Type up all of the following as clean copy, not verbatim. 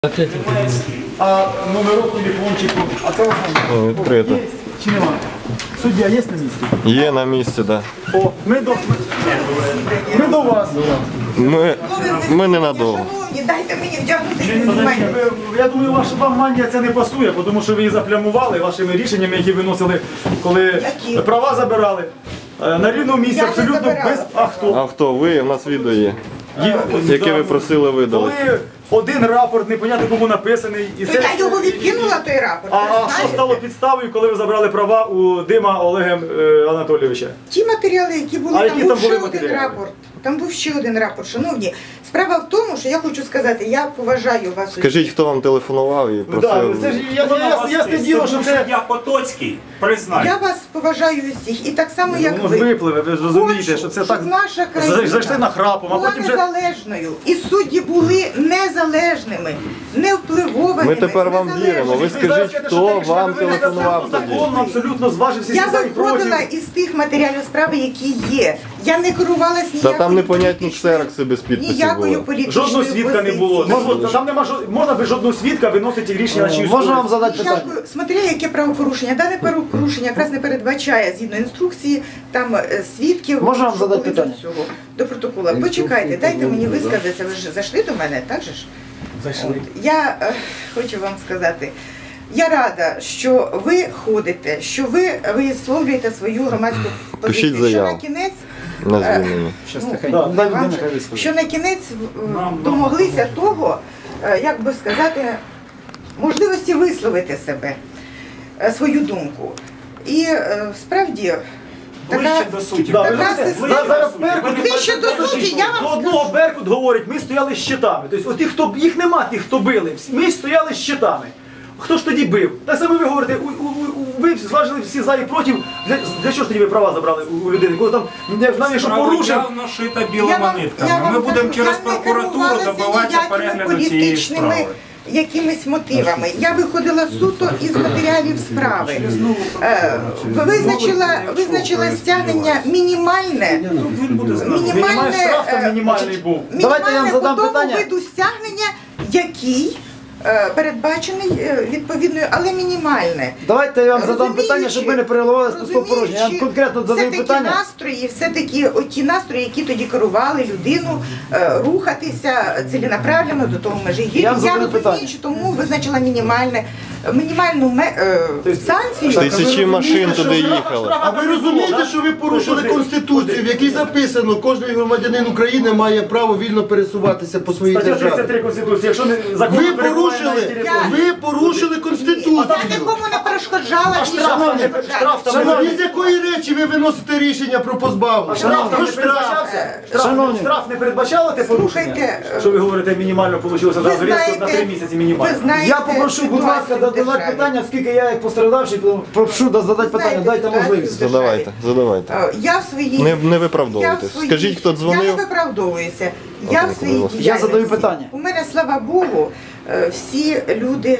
А номерок телефончику, а телефон Відкрито. є чи нема? Суддя є на місці? Є на місці, так. О, ми до вас. Ми ненадовго. Дайте мені вдягнути. Я думаю, вам манія це не пасує, тому що ви її заплямували вашими рішеннями, які виносили, коли права забирали. На рівному місці Я не абсолютно забирала. без... А хто? А хто ви? У нас відео є. Яке ви просили видали. Коли один рапорт, непонятно кому написаний. І То я його відкинула, той рапорт. А ви що знаєте? стало підставою, коли ви забрали права у Дима Олега Анатолійовича? Ті матеріали, які були, А там які був там були ще один матеріали? рапорт. Там був ще один рапорт. Шановні, справа в тому, що я хочу сказати, я поважаю вас. Скажіть, хто вам телефонував і Да, просив. це ж ясне діло, що це... Я Потоцький, признаю. Я вас поважаю усіх. І так само, як Воно ж ви. випливе, ви ж розумієте, що це щоб так... наша країна Зайшли на храпом, а була потім вже... незалежною. І судді були незалежними, невпливовими. Ми тепер вам віримо. Ви скажіть, хто вам телефонував тоді. Законно абсолютно зважив всі Я за і проти. виходила із тих матеріалів справи, які є. Я не керувалась Та ніякою там непонятні політичною- ксерокси без підписів ніякою було. політичною Жодного свідка не було. позицією. Там нема можна без жодного свідка виносити рішення на чиюсь Можна вам користь. задати питання? Ніякою, смотря яке правопорушення. Дане правопорушення якраз не передбачає, згідно інструкції, там свідків. Можна вам що задати були питання? до цього, до протокола. Почекайте, дайте мені висказатися. Ви ж зайшли до мене, так же ж? Зайшли. Я хочу вам сказати, я рада, що ви ходите, що ви висловлюєте свою громадську Пишіть позицію. Що заяву. на кінець, На звільнення. Щас Ну, тихенько. да, Дай вам людина же- хай висловить. що на кінець домоглися того, як би сказати, можливості висловити себе, свою думку. І справді, Ближче до суті. Да, ви Така знаєте, система. зараз Беркут... Ближче до суті, я вам До одного Беркут говорить, ми стояли з щитами. Тобто, от тих, хто, їх нема, тих, хто били. Ми стояли з щитами. Хто ж тоді бив? Так само ви говорите, ви зважили всі за і проти. Для чого ж тоді ви права забрали у людини? Коли там, навіть що порушив, Явно шита Я білими вам нитками. Ми будемо кажу, через я не прокуратуру керувалася добиватися ніякими перегляду цієї політичними справи. якимись мотивами. Я виходила суто із матеріалів справи. Визначила стягнення мінімальне. мінімальний штраф там мінімальний був. Давайте я вам задам по тому питання. виду стягнення, який передбачений відповідною, але мінімальне. Давайте я вам задам Розуміючи- питання, щоб ми не переливали з порожнє. Я вам конкретно задаю все-таки питання. настрої, все-таки оті настрої, які тоді керували людину рухатися ціленаправленно до того Межигір'я. Я вам задаю розумію, питання. що тому визначила мінімальну санкцію. Тисячі машин туди їхали. А ви розумієте, що ви порушили Конституцію, в якій записано, кожен громадянин України має право вільно пересуватися по своїй Стаття державі. 33 Конституції. Якщо не закон Ви не перебуває на порушили, території. ви порушили Конституцію. Я нікому не перешкоджала. А штраф там не штраф там Шановні, не з якої речі ви виносите рішення про позбавлення? штраф там Про не штраф. передбачався? Шановні. Штраф не передбачало те порушення? Слухайте, Що ви говорите, мінімально вийшло Ви зараз різко на знаєте, 3 місяці мінімально. ви знаєте Я попрошу, будь ласка, ситуацію в задавати державі. питання, оскільки я як постраждавший, прошу задати питання, Знаєте дайте ситуацію можливість. в державі. Задавайте. Я в своїй... Не виправдовуйтесь. Скажіть, хто Я не дзвонив. виправдовуюся. Я в своїй діяльності. Я задаю питання. У мене, слава Богу, всі люди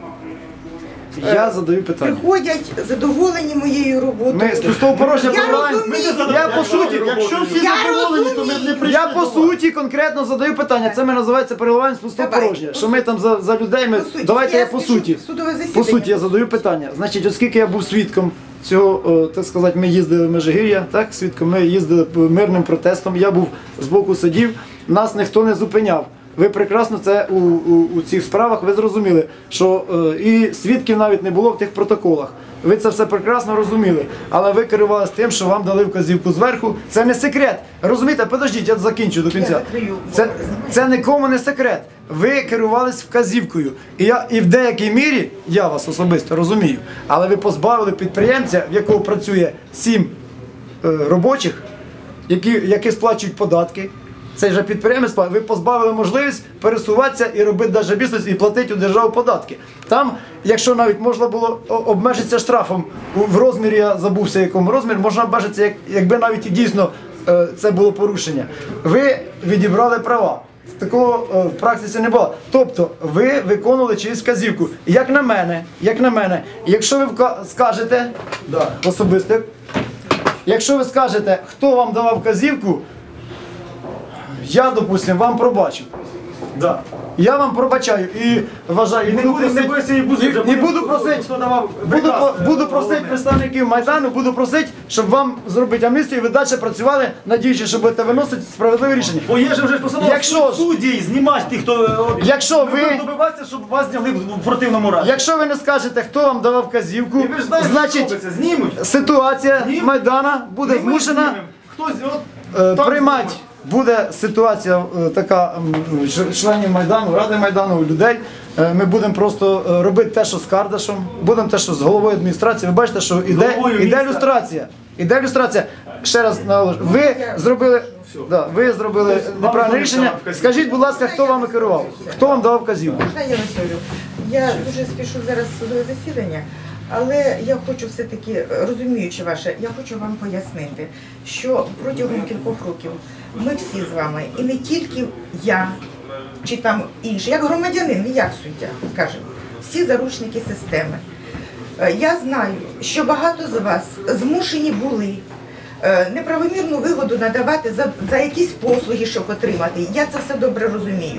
Я задаю питання. приходять задоволені моєю роботою. Ми з пустого порожня Я прибираємо. розумію. Я по суті, Якщо всі Я задоволені, то ми б не розумію. прийшли. я по суті конкретно задаю питання. Це ми називається переливання з пустого Давай. порожня. Що ми там за людей, ми... По суті. Давайте я по спішу суті. в судове засідання. По суті, я задаю питання. Значить, оскільки я був свідком цього, так сказати, ми їздили в Межигір'я, так, свідком, ми їздили мирним протестом, я був з боку сидів, нас ніхто не зупиняв. Ви прекрасно це у цих справах, ви зрозуміли, що і свідків навіть не було в тих протоколах. Ви це все прекрасно розуміли, але ви керувалися тим, що вам дали вказівку зверху. Це не секрет. Розумієте, подождіть, я закінчу до кінця. закрию. Це нікому не секрет. Ви керувались вказівкою. І в деякій мірі, я вас особисто розумію, але ви позбавили підприємця, в якого працює 7 робочих, які сплачують податки. Цей же підприємець, ви позбавили можливість пересуватися і робити навіть бізнес і платити у державу податки. Там, якщо навіть можна було обмежитися штрафом в розмірі, я забувся якому розмірі, можна обмежитися, якби навіть і дійсно це було порушення. Ви відібрали права. Такого в практиці не було. Тобто ви виконували чиюсь вказівку. Як на мене, якщо ви скажете, особисто, якщо ви скажете, хто вам давав вказівку, я, допустим, вам пробачу. Да. Я вам пробачаю і вважаю, І не будемо, не бойся, і буду просити, хто давав буду просити представників Майдану, буду просити, щоб вам зробити амністію, і ви далі працювали, надіючись, що будете виносити справедливе рішення. Бо є ж вже посадова Якщо ж- судді знімати тих, хто Якщо ви- добиватися, щоб вас зняли в противному разі. Якщо ви не скажете, хто вам давав вказівку, І ви ж знаєте, що значить робиться, знімуть. ситуація Знімуть. Майдана буде І ми змушена знімемо. Хтось от приймати. Буде ситуація така членів Майдану, Ради Майдану, людей. Ми будемо просто робити те, що з Кардашем, будемо те, що з головою адміністрації. Ви бачите, що головою іде міста. люстрація. Іде люстрація. Ще раз наголошую. Ви зробили неправильне рішення. Скажіть, будь ласка, хто вами керував? Хто вам давав вказівку? Можна я висловлю? Я дуже спішу зараз в судове засідання, але я хочу все-таки, розуміючи ваше, я хочу вам пояснити, що протягом кількох років ми всі з вами, і не тільки я, чи там інші, як громадянин, не як суддя, скажімо, всі заручники системи. Я знаю, що багато з вас змушені були неправомірну вигоду надавати за якісь послуги, щоб отримати. Я це все добре розумію.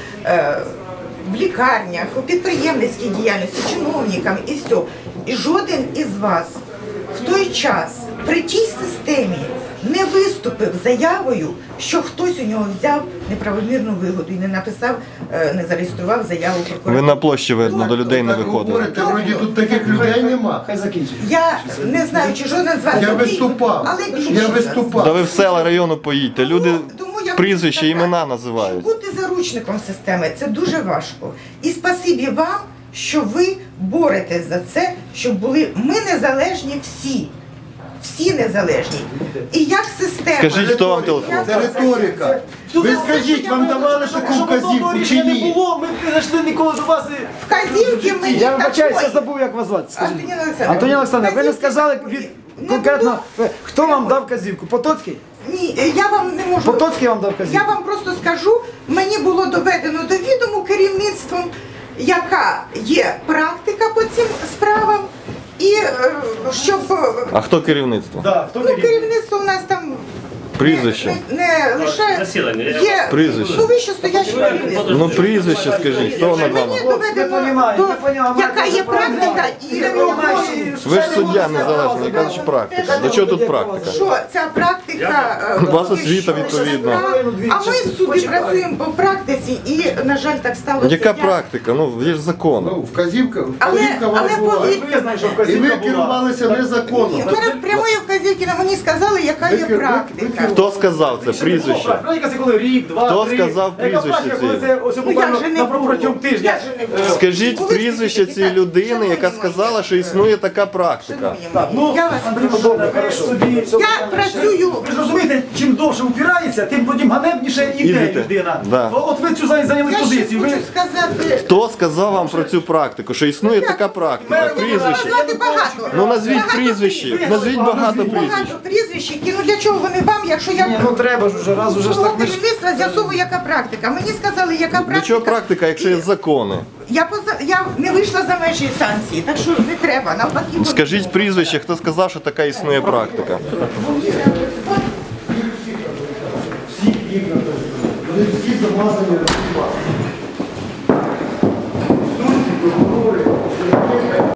В лікарнях, у підприємницькій діяльності, чиновникам і все. І жоден із вас в той час при тій системі не виступив заявою, що хтось у нього взяв неправомірну вигоду і не написав, не зареєстрував заяву Ви прокуратурі. на площі, видно, до людей не Так виходили. говорите, вроді тут таких людей нема. Хай закінчить. Я не знаю, чи жоден з вас Я такий, виступав. але більшість Я з вас. виступав. Та ви в села району поїдьте, люди Тому я хочу прізвища, сказати, імена називають. що бути заручником системи – це дуже важко. І спасибі вам, що ви боретесь за це, щоб були ми незалежні всі. Всі незалежні. І як система... Скажіть, хто вам телефонував? Це риторика. Ви скажіть, вам давали таку вказівку чи не ні? було, ми не зайшли ніколи до вас. Вказівки мені Я вибачаюся, я такої. забув, як вас звати. Скажіть. Антоніна Олександрівна. Антоніна Олександровна, ви не Вказівки сказали такої. Не конкретно, було. хто вам дав вказівку? Потоцький? Ні, я вам не можу... Потоцький вам дав Я вказівку? вам просто скажу, мені було доведено до відому керівництвом, яка є практика по цим справам, і щоб А хто керівництво? Да, хто керівництво у нас там Прізвище? не лише Засідання. є Прізвище. вище стояче керівництво. Ну прізвище скажіть, хто над Мені вами? доведено, яка є практика і Ви ж суддя незалежний, яка ж практика? До чого тут практика? що ця практика У вас освіта відповідна. А ми в суді працюємо по практиці і, на жаль, так сталося. Яка Я- практика? Ну, є ж закон. Ну, вказівка Але вас була. повірте, Ви знаєте, що І ви вказівка була. керувалися у незаконно. мене прямої вказівки на мені сказали, яка є Ви практика. Хто сказав це прізвище? Практика це коли рік, два, Хто три. сказав Яка прізвище практика, коли цієї? це ось Ну, буквально як же не на було? протягом тижня. Як же не було? Скажіть Були прізвище такі цієї питання? людини, яка Шановні сказала, мої. що існує така практика. Шановні Так, мої, ну, я вас Андрій прошу. Володимирович, ви собі... Я працюю. Ви ж розумієте, чим довше упирається, тим потім ганебніше йде Ідете. людина. Да. От ви цю зайняли Я ще позицію. Ви... хочу сказати. Хто сказав вам про цю практику, що існує така практика? Я можу Прізвище. назвати багато. Ну назвіть Багато прізвище. прізвищ. Назвіть багато прізвищ. Багато прізвищ, які, ну для чого вони вам, якщо я Ні, ну треба ж уже, раз уже ж так ми ж... керівництва з'ясовую, яка практика. Мені сказали, яка практика. Для чого практика, якщо є закони? Я не вийшла за межі санкції, так що не треба. Навпаки, Скажіть прізвище, хто сказав, що така існує практика. Вони всі замазані.